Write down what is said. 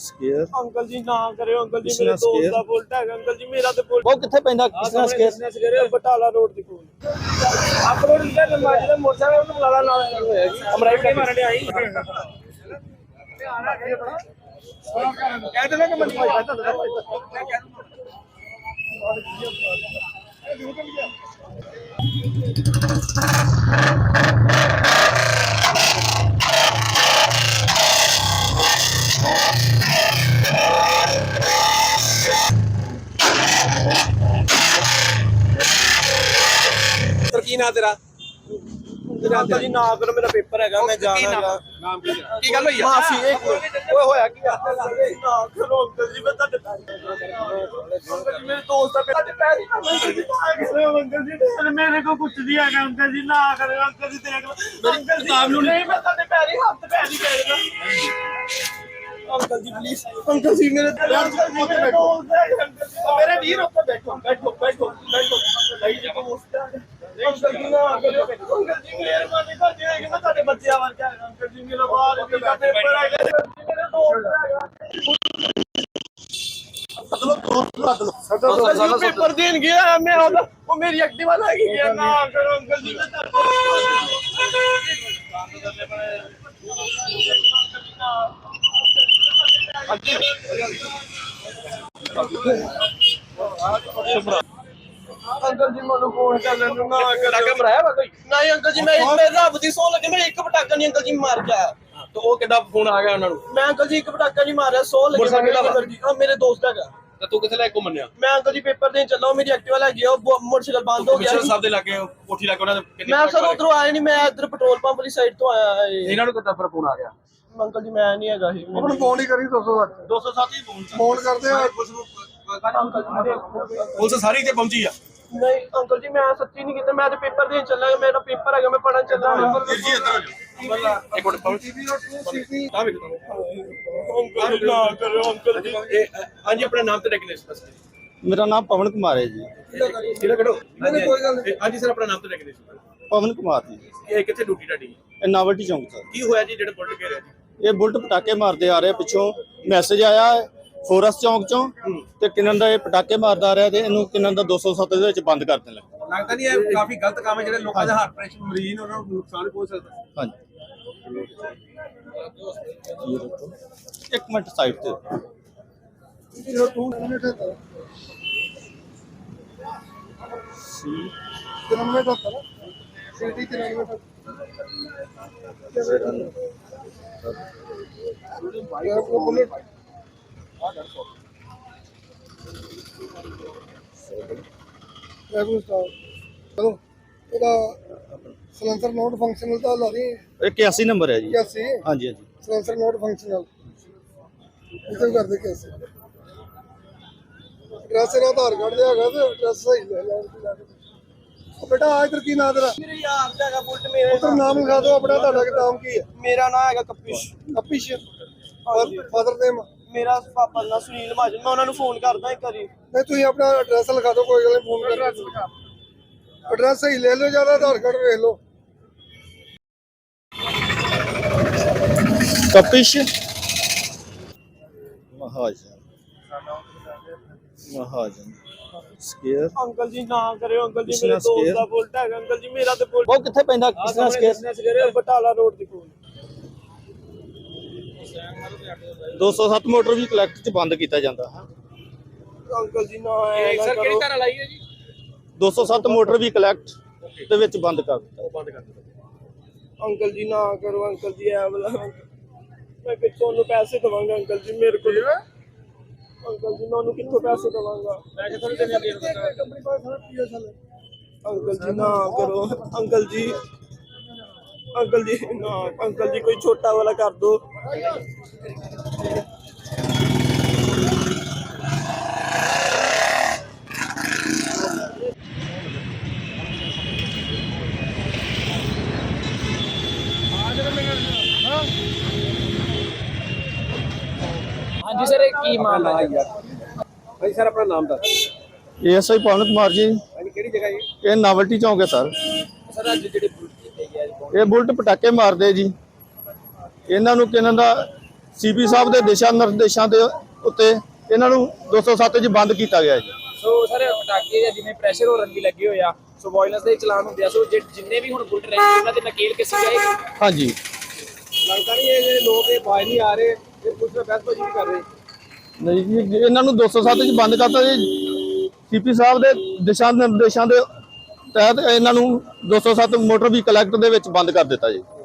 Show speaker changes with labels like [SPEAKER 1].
[SPEAKER 1] Square
[SPEAKER 2] uncle ji ना करे uncle ji मेरे दोस्त दा बुलेट है अंकल जी मेरा ते बुलेट
[SPEAKER 1] ਉਹ ਕਿੱਥੇ ਪੈਂਦਾ ਕਿਸਨਾ ਸਕੇਅਰ
[SPEAKER 2] बटाला रोड दी कोल अपने इधर माजरे मोटरसाइकिल ਨੂੰ ਬੁਲਾ ਨਾਲ ਹੋਇਆ ਜੀ ਅਮਰਾਈ ਕੇ ਮਾਰਨ ਆਈ ਧਿਆਨ ਰੱਖ ਕੇ ਬੜਾ ਕਹਿ ਦੇਣਾ ਕਿ ਮੰਨੀ ਭਾਈ ਤੁਹਾਡਾ ਮੈਂ ਕਹਿ ਦੂੰਗਾ
[SPEAKER 3] ਕੀ ਨਾਂ ਤੇਰਾ
[SPEAKER 2] ਅੰਕਲ ਜੀ ਨਾ ਕਰੋ ਮੇਰਾ ਪੇਪਰ ਹੈਗਾ ਮੈਂ ਜਾਣਾ
[SPEAKER 3] ਨਾਮ ਕੀ ਗੱਲ ਹੋਈ ਆ
[SPEAKER 2] ਮਾਫੀ ਇੱਕ ਓਏ ਹੋਇਆ ਕੀ ਆ ਨਾ ਕਰੋ ਅੰਕਲ ਜੀ ਮੈਂ ਤੁਹਾਡੇ ਅੰਕਲ ਜੀ ਮੇਰੇ ਦੋਸਤ ਦਾ ਤੁਹਾਡੇ ਪੈਰ ਹੀ ਅੰਕਲ ਜੀ ਮੇਰੇ ਕੋ ਕੁਝ ਨਹੀਂ ਹੈਗਾ ਅੰਕਲ ਜੀ ਨਾ ਕਰੋ ਅੰਕਲ ਜੀ ਦੇਖ ਲਓ ਅੰਕਲ ਜੀ ਕਿਤਾਬ ਨੂੰ ਨਹੀਂ ਮੈਂ ਤੁਹਾਡੇ ਪੈਰ ਹੀ ਹੱਥ ਪੈਰ ਹੀ ਫੇਰਦਾ uncle ji please uncle ji मेरे मेरे वीर ऊपर बैठो बैठो बैठो बैठो अंकल जी ना अंकल जी मेहरबानी कर दिया कि मैं तेरे बच्चे आवर क्या अंकल जी मेरा बाहर का पेपर है मेरे दोस्त पेपर देन गया मैं वो मेरी एक्टिवा लगी गया ना करो अंकल जी अंकल जी मैं फोन कर लेना ना
[SPEAKER 3] ਪਟਾਕਾ ਮਰਾਇਆ ਵਾ ਕੋਈ
[SPEAKER 2] नहीं अंकल जी मैं रब दी सौ लगे मैं एक पटाका नहीं अंकल जी मार के आया
[SPEAKER 3] ਤੇ ਉਹ ਕਿੱਦਾਂ ਫੋਨ ਆ ਗਿਆ ਉਹਨਾਂ ਨੂੰ
[SPEAKER 2] मैं अंकल जी एक पटाका नहीं मारा 100 लगे अंकल जी मेरे दोस्त का
[SPEAKER 3] ਤੇ ਤੂੰ ਕਿੱਥੇ ਲੈ ਕੇ ਘੁੰਮਣਿਆ
[SPEAKER 2] मैं अंकल जी पेपर देने चला हूं मेरी एक्टिवा लगी है मोटरसाइकिल बंद हो गया
[SPEAKER 3] ਪਿਛਲੇ ਸਾਹਿਬ ਦੇ ਲਾਗੇ ਕੋਠੀ ਲਾ ਕੇ ਉਹਨਾਂ ਦੇ
[SPEAKER 2] मैं सर उधरों आया नहीं मैं इधर पेट्रोल पंप वाली साइड तो आया
[SPEAKER 3] ਇਹਨਾਂ ਨੂੰ ਕਿੱਦਾਂ ਫਿਰ ਫੋਨ ਆ ਗਿਆ
[SPEAKER 2] अंकल जी मैं नहीं हैगा ही
[SPEAKER 1] ਉਹਨੂੰ ਫੋਨ ਹੀ ਕਰੀ 207
[SPEAKER 2] 207 ही
[SPEAKER 1] ਫੋਨ ਕਰਦੇ ਆ
[SPEAKER 3] ਪੁਲਿਸ ਸਾਰੀ ਤੇ ਪਹੁੰਚੀ ਆ
[SPEAKER 2] नहीं अंकल जी मैं सच्ची नहीं किया मैं तो पेपर देने चला मेरा पेपर है मैं पढ़ने चला
[SPEAKER 3] ਜੀ ਇੱਧਰ ਇੱਕ ਮਿੰਟ ਪਹੁੰਚ ਆ ਵੇਖ
[SPEAKER 2] अंकल ना करो अंकल जी
[SPEAKER 3] ਹਾਂਜੀ ਆਪਣਾ ਨਾਮ ਤੇ ਡੈਕਨੇਸ਼ਨ
[SPEAKER 1] ਮੇਰਾ ਨਾਮ ਪਵਨ ਕੁਮਾਰ ਹੈ ਜੀ
[SPEAKER 3] ਕਿਹੜਾ ਕਿਹੜਾ ਹਾਂਜੀ ਸਰ ਆਪਣਾ ਨਾਮ ਤੇ ਡੈਕਨੇਸ਼ਨ
[SPEAKER 1] ਪਵਨ ਕੁਮਾਰ ਜੀ
[SPEAKER 3] ਇਹ ਕਿੱਥੇ ਡਿਊਟੀ ਤੁਹਾਡੀ
[SPEAKER 1] ਇਹ ਨਾਵਲਟੀ ਚੌਂਕ ਸਰ
[SPEAKER 3] ਕੀ ਹੋਇਆ ਜੀ ਜਿਹੜਾ ਬੁਲਟ ਘੇਰਿਆ ਜੀ
[SPEAKER 1] ਇਹ ਬੁਲਟ ਪਟਾਕੇ ਮਾਰਦੇ ਆ ਰਹੇ ਪਿੱਛੋਂ ਮੈਸੇਜ ਆਇਆ ਹੈ ਫੋਰਸ ਚੌਂਕ ਚੋਂ ਤੇ ਕਿੰਨਨ ਦਾ ਇਹ ਪਟਾਕੇ ਮਾਰਦਾ ਆ ਰਿਹਾ ਤੇ ਇਹਨੂੰ ਕਿੰਨਨ ਦਾ 207 ਦੇ ਵਿੱਚ ਬੰਦ ਕਰ ਦੇਣ ਲੱਗਾ
[SPEAKER 3] ਲੱਗਦਾ ਨਹੀਂ ਇਹ ਕਾਫੀ ਗਲਤ ਕੰਮ ਹੈ ਜਿਹੜੇ ਲੋਕਾਂ ਦੇ ਹਾਰਟ ਪ੍ਰੈਸ਼ਰ ਮਰੀਜ਼ ਨੇ ਉਹਨਾਂ ਨੂੰ ਨੁਕਸਾਨ ਪਹੁੰਚ ਸਕਦਾ
[SPEAKER 1] ਹਾਂਜੀ ਇੱਕ ਮਿੰਟ ਸਾਈਡ ਤੇ
[SPEAKER 4] ਸਲੈਂਸਰ ਨੋਟ ਫੰਕਸ਼ਨਲ ਤਾਂ ਲਾ ਰਹੀ
[SPEAKER 1] 81 ਨੰਬਰ ਹੈ ਜੀ
[SPEAKER 4] 81
[SPEAKER 1] ਹਾਂਜੀ ਹਾਂਜੀ
[SPEAKER 4] ਸਲੈਂਸਰ ਨੋਟ ਫੰਕਸ਼ਨਲ ਇਸੇ ਕਰਦੇ ਕੇਸ ਐਡਰੈਸ ਦਾ ਆਧਾਰ ਕਾਰਡ ਦੇ ਹੈਗਾ ਤੇ ਐਡਰੈਸ ਸਹੀ ਲੈ ਲੈ ਬੇਟਾ ਆ ਇਧਰ ਕੀ ਨਾਮ ਤੇਰਾ
[SPEAKER 2] मेरे यार का बुलेट मेरे
[SPEAKER 4] ਉਧਰ ਨਾਮ ਲਿਖਾ ਦਿਓ ਆਪਣਾ ਤੁਹਾਡਾ ਨਾਮ ਕੀ ਹੈ
[SPEAKER 2] मेरा नाम है कपिश
[SPEAKER 4] ਅਪਿਸ਼ ਫਾਦਰ ਨੇਮ
[SPEAKER 2] मेरा पापा ना सुनील महाजन मैं उन्होंने फोन करदा एक बारी
[SPEAKER 4] ਨਹੀਂ ਤੁਸੀਂ ਆਪਣਾ ਐਡਰੈਸ ਲਿਖਾ ਦਿਓ ਕੋਈ ਗੱਲ ਨਹੀਂ ਫੋਨ ਕਰ ਐਡਰੈਸ ਸਹੀ ਲੈ ਲਓ ਜਿਆਦਾ ਆਧਾਰ ਕਾਰਡ ਵੇਖ ਲਓ
[SPEAKER 1] ਕਪਿਸ਼ ਮਹਾਜਨ ਮਹਾਜਨ ਸਕੇਅਰ
[SPEAKER 2] अंकल जी ना करे अंकल जी
[SPEAKER 1] किसना
[SPEAKER 2] मेरे दोस्त
[SPEAKER 1] स्केयर?
[SPEAKER 2] दा बुलेट है अंकल जी मेरा ते बुलेट
[SPEAKER 1] ਉਹ ਕਿੱਥੇ ਪੈਂਦਾ ਕਿਸਨਾ ਸਕੇਅਰ
[SPEAKER 2] बटाला रोड दी कोल
[SPEAKER 1] 207 ਮੋਟਰ ਵੀ ਕਲੈਕਟ ਚ ਬੰਦ ਕੀਤਾ ਜਾਂਦਾ
[SPEAKER 2] अंकल जी ना ऐसा करो
[SPEAKER 3] ਘਰ ਲਾਈ ਹੈ ਜੀ
[SPEAKER 1] 207 ਮੋਟਰ ਵੀ ਕਲੈਕਟ ਦੇ ਵਿੱਚ ਬੰਦ ਕਰ ਦਿੱਤਾ
[SPEAKER 3] ਬੰਦ ਕਰ ਦਿੱਤਾ
[SPEAKER 2] अंकल जी ना करो अंकल जी ऐ वाला मैं कितों नु पैसे दवांगा अंकल जी मेरे को अंकल जी मैं उन्हें कितों पैसे दवांगा
[SPEAKER 3] ਪੈਸੇ ਥੋੜੀ ਦੇਣੇ ਦੇ
[SPEAKER 4] ਕੰਪਨੀ ਕੋਲ ਸਾਰਾ ਪੀਐਸਐਲ
[SPEAKER 2] अंकल जी ना करो अंकल जी ना अंकल जी कोई छोटा वाला कर दो
[SPEAKER 5] ਹਾਂਜੀ ਸਰ ਇਹ ਕੀ ਮਾਮਲਾ ਹੈ ਯਾਰ
[SPEAKER 3] ਭਾਈ ਸਰ ਆਪਣਾ ਨਾਮ ਦੱਸ
[SPEAKER 1] ਐਸਆਈ ਪਵਨ ਕੁਮਾਰ ਜੀ
[SPEAKER 3] ਹਾਂਜੀ ਕਿਹੜੀ ਜਗ੍ਹਾ ਜੀ
[SPEAKER 1] ਇਹ ਨਾਵਲਟੀ ਚੌਂਕ ਹੈ ਸਰ
[SPEAKER 5] ਸਰ ਅੱਜ ਜਿਹੜੇ ਬੁਲਟ ਕੀਤੇ ਗਏ
[SPEAKER 1] ਇਹ ਬੁਲਟ ਪਟਾਕੇ ਮਾਰਦੇ ਜੀ ਇਹਨਾਂ ਨੂੰ ਕਿਹਨਾਂ ਦਾ ਸੀਪੀ ਸਾਹਿਬ ਦੇ ਦਿਸ਼ਾ ਨਿਰਦੇਸ਼ਾਂ ਦੇ ਉੱਤੇ ਇਹਨਾਂ ਨੂੰ 207 'ਚ ਬੰਦ ਕੀਤਾ ਗਿਆ ਜੀ।
[SPEAKER 5] ਸੋ ਸਰ ਪਟਾਕੇ ਜਾਂ ਜਿਵੇਂ ਪ੍ਰੈਸ਼ਰ ਹੋਰਨ ਵੀ ਲੱਗੇ ਹੋਏ ਆ, ਸੋ ਵਾਇਲੈਂਸ ਦੇ ਚਲਾਨ ਹੁੰਦੇ ਆ, ਸੋ ਜਿੰਨੇ ਵੀ ਹੁਣ ਬੁਲਟ ਰਹਿੰਦੇ ਉਹਨਾਂ ਦੇ ਨਕੇਲ ਕਿਸੇ ਜਾਏਗੀ।
[SPEAKER 1] ਹਾਂਜੀ
[SPEAKER 3] ਲੱਗਦਾ ਨਹੀਂ ਇਹ ਜਿਹੜੇ ਲੋਕ ਇਹ ਬਾਜ ਨਹੀਂ ਆ ਰਹੇ, ਇਹ ਪੁਲਿਸ ਨਾਲ ਬਹਿਸਬਾਜ਼ੀ ਨਹੀਂ ਕਰ ਰਹੇ।
[SPEAKER 1] ਨਹੀਂ ਜੀ, ਇਹਨਾਂ ਨੂੰ 207 'ਚ ਬੰਦ ਕਰਤਾ ਜੀ। ਸੀਪੀ ਸਾਹਿਬ ਦੇ ਦਿਸ਼ਾ ਨਿਰਦੇਸ਼ਾਂ ਦੇ ਤਹਿਤ ਇਹਨਾਂ ਨੂੰ 207 ਮੋਟਰ ਵਹੀਕਲ ਐਕਟ ਦੇ ਵਿੱਚ ਬੰਦ ਕਰ ਦਿੱਤਾ ਜੀ।